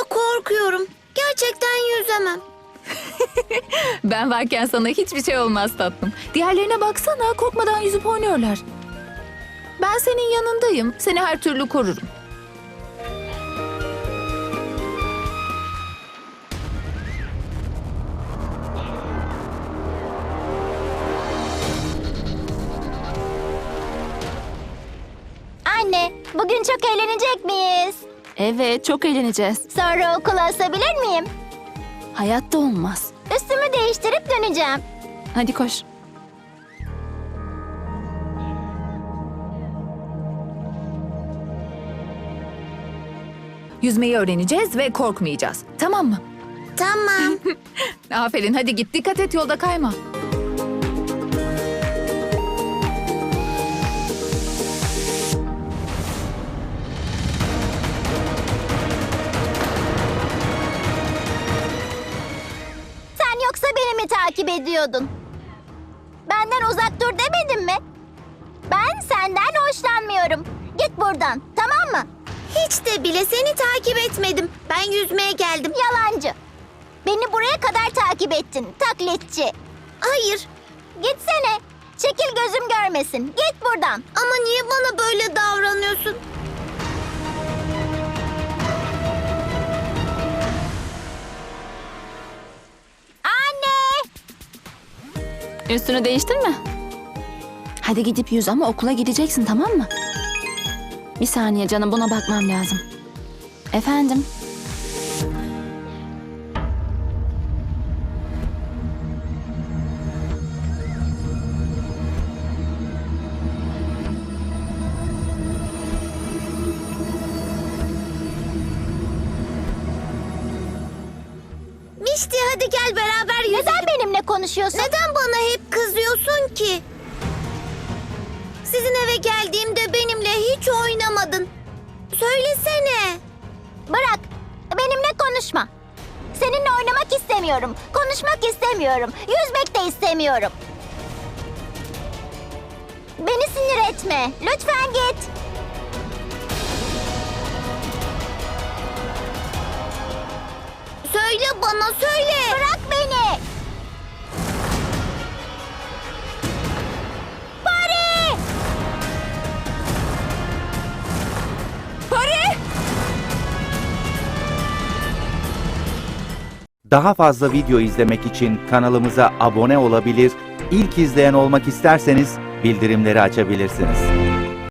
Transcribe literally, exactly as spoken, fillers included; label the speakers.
Speaker 1: korkuyorum. Gerçekten yüzemem.
Speaker 2: Ben varken sana hiçbir şey olmaz tatlım. Diğerlerine baksana, korkmadan yüzüp oynuyorlar. Ben senin yanındayım. Seni her türlü korurum.
Speaker 3: Anne, bugün çok eğlenecek miyiz?
Speaker 2: Evet, çok eğleneceğiz.
Speaker 3: Sonra okula asabilir miyim?
Speaker 2: Hayatta olmaz.
Speaker 3: Üstümü değiştirip döneceğim.
Speaker 2: Hadi koş. Yüzmeyi öğreneceğiz ve korkmayacağız. Tamam mı?
Speaker 1: Tamam.
Speaker 2: Aferin, hadi git. Dikkat et, yolda kayma.
Speaker 3: Sen yoksa beni mi takip ediyordun? Benden uzak dur demedim mi? Ben senden hoşlanmıyorum. Git buradan, tamam mı?
Speaker 1: Hiç de bile seni takip etmedim. Ben yüzmeye geldim.
Speaker 3: Yalancı. Beni buraya kadar takip ettin, taklitçi.
Speaker 1: Hayır.
Speaker 3: Gitsene. Çekil gözüm görmesin. Git buradan.
Speaker 1: Ama niye bana böyle davranıyorsun?
Speaker 3: Anne!
Speaker 2: Üstünü değiştirme. Hadi gidip yüz ama okula gideceksin, tamam mı? Bir saniye canım, buna bakmam lazım. Efendim?
Speaker 1: Mişti, hadi gel beraber yüzelim.
Speaker 3: Neden benimle konuşuyorsun?
Speaker 1: Neden bana hep kızıyorsun ki? Sizin eve geldiğimde benimle hiç oynamadın. Söylesene.
Speaker 3: Bırak. Benimle konuşma. Seninle oynamak istemiyorum. Konuşmak istemiyorum. Yüzmek de istemiyorum. Beni sinir etme. Lütfen git.
Speaker 1: Söyle bana, söyle.
Speaker 3: Bırak beni. Pari!
Speaker 2: Pari!
Speaker 4: Daha fazla video izlemek için kanalımıza abone olabilir, ilk izleyen olmak isterseniz bildirimleri açabilirsiniz.